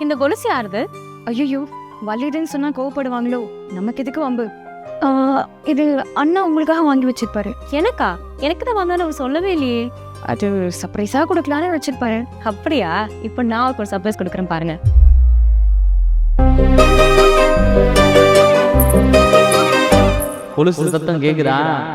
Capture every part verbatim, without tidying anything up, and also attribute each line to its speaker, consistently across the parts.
Speaker 1: இந்த கொலுசு யாருது?
Speaker 2: ஐயோ, வள்ளிதுன்னு சொன்னா கோவப்படுவாங்களோ, நமக்கு எதுக்கு வம்பு? இது அண்ணா உங்களுக்காக வாங்கி வச்சிருப்பாரு.
Speaker 1: எனக்கா? எனக்கு தான் வாங்கன்னு அவர் சொல்லவே இல்லையே.
Speaker 2: அது சர்ப்ரைஸா கொடுக்கலான்னு வச்சிருப்பாரு.
Speaker 1: அப்படியா? இப்போ நான் அவருக்கு ஒரு சர்ப்ரைஸ் கொடுக்குறேன் பாருங்க.
Speaker 3: கொலுசு சத்தம் கேக்குதா?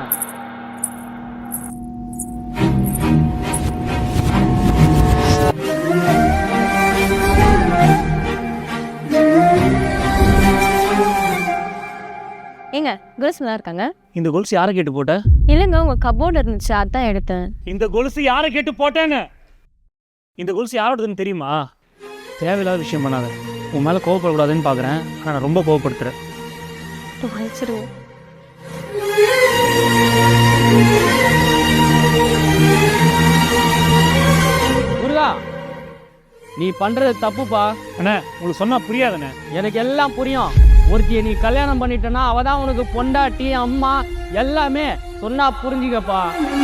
Speaker 1: ஏங்க, கொலுசு நல்லா இருக்காங்க.
Speaker 3: இந்த கொலுசு யாரை கேட்டு போட்ட?
Speaker 1: இல்லைங்க, உங்க கபோர்டு இருந்துச்சு, அதான் எடுத்தேன்.
Speaker 3: இந்த கொலுசு யாரை கேட்டு போட்டேன்னு? இந்த கொலுசு யாரோடதுன்னு தெரியுமா? தேவையில்லாத விஷயம் பண்ணாத. உன் மேலே கோவப்படக்கூடாதுன்னு பார்க்குறேன், ஆனால் நான் ரொம்ப கோவப்படுத்துறேன்.
Speaker 1: மன்னிச்சிடுவோம்.
Speaker 4: முருகா, நீ பண்றது தப்புப்பா.
Speaker 3: அண்ணே, உங்களுக்கு சொன்னா புரியாதுண்ணே.
Speaker 4: எனக்கு எல்லாம் புரியும். ஒருத்தியை நீ கல்யாணம் பண்ணிட்டனா அவ தான் உனக்கு பொண்டாட்டி, அம்மா எல்லாமே. சொன்னா புரிஞ்சுக்கப்பா.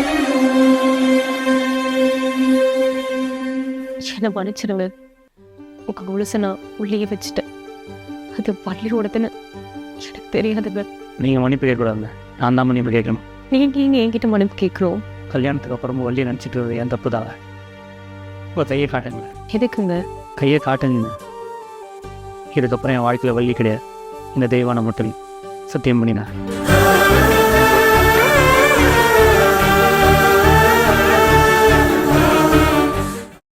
Speaker 1: என்ன மன்னிச்சிடுங்க. உங்க கொலுசை நான் உள்ளே வச்சுட்டேன். அது பள்ளியோடதுன்னு எனக்கு தெரியாதுங்க.
Speaker 3: நீங்கள் மன்னிப்பு கேட்கக்கூடாதுங்க, நான் தான் மன்னிப்பு கேட்கணும்.
Speaker 1: நீங்க இங்க என்கிட்ட மன்னிப்பு கேட்குறோம்.
Speaker 3: கல்யாணத்துக்கு அப்புறமும் வள்ளியை நினச்சிட்டு என் தப்பு தான். இப்போ கையை காட்டுங்க.
Speaker 1: எதுக்குங்க?
Speaker 3: கையை காட்டுங்க. இதுக்கப்புறம் என் வாழ்க்கையில் வள்ளி கிடையாது, இந்த தெய்வான மட்டும் சத்தியம் பண்ணினேன்.